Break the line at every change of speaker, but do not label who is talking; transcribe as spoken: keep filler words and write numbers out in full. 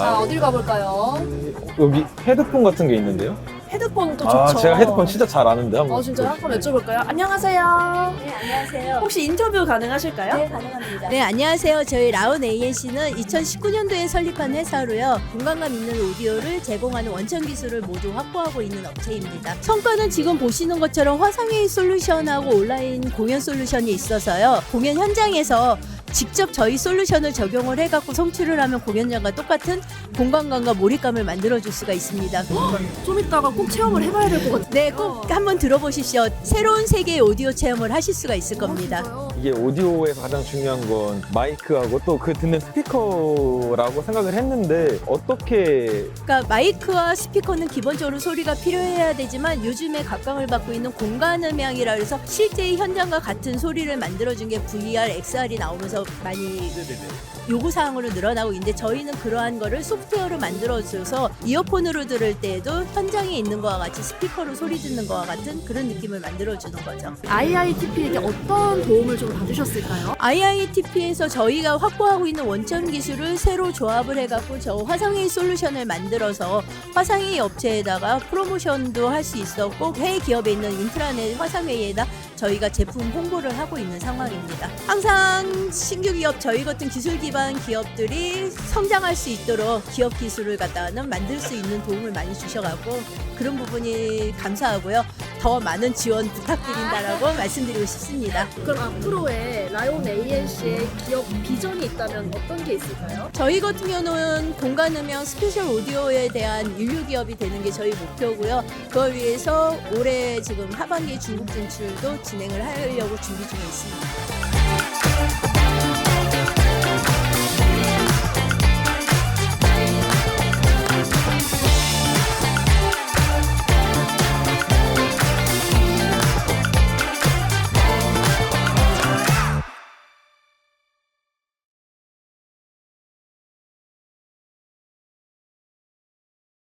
자, 어딜 가볼까요?
여기 헤드폰 같은 게 있는데요?
헤드폰도
아,
좋죠.
제가 헤드폰 진짜 잘 아는데 한번.
어, 진짜요? 한번 여쭤볼까요? 안녕하세요.
네, 안녕하세요.
혹시 인터뷰 가능하실까요?
네, 가능합니다.
네, 안녕하세요. 저희 라온 에이엔씨는 이천십구 년도에 설립한 회사로요. 공간감 있는 오디오를 제공하는 원천 기술을 모두 확보하고 있는 업체입니다. 성과는 지금 보시는 것처럼 화상회의 솔루션하고 온라인 공연 솔루션이 있어서요. 공연 현장에서 직접 저희 솔루션을 적용을 해갖고 송출을 하면 공연장과 똑같은 공간감과 몰입감을 만들어줄 수가 있습니다.
좀 이따가 꼭 체험을 해봐야 될 것 같아요.
네, 꼭 한번 들어보십시오. 새로운 세계의 오디오 체험을 하실 수가 있을 겁니다.
이게 오디오에서 가장 중요한 건 마이크하고 또 그 듣는 스피커라고 생각을 했는데 어떻게
그러니까 마이크와 스피커는 기본적으로 소리가 필요해야 되지만 요즘에 각광을 받고 있는 공간 음향이라 해서 실제 현장과 같은 소리를 만들어준 게 브이알, 엑스알이 나오면서 많이 요구사항으로 늘어나고 있는데 저희는 그러한 거를 소프트웨어로 만들어줘서 이어폰으로 들을 때에도 현장에 있는 거와 같이 스피커로 소리 듣는 거와 같은 그런 느낌을 만들어주는 거죠.
아이아이티피에게 어떤 도움을 좀 받으셨을까요?
아이아이티피에서 저희가 확보하고 있는 원천 기술을 새로 조합을 해갖고 저 화상회의 솔루션을 만들어서 화상회의 업체에다가 프로모션도 할 수 있었고 해외 기업에 있는 인트라넷 화상회의에다 저희가 제품 홍보를 하고 있는 상황입니다. 항상 신규 기업 저희 같은 기술 기반 기업들이 성장할 수 있도록 기업 기술을 갖다는 만들 수 있는 도움을 많이 주셔갖고 그런 부분이 감사하고요. 더 많은 지원 부탁드린다라고 말씀드리고 싶습니다.
그럼 앞으로의 라이온 에이엔씨의 기업 비전이 있다면 어떤 게 있을까요?
저희 같은 경우는 공간 음향 스페셜 오디오에 대한 인류 기업이 되는 게 저희 목표고요. 그걸 위해서 올해 지금 하반기 중국 진출도 진행을 하려고 준비 중에 있습니다.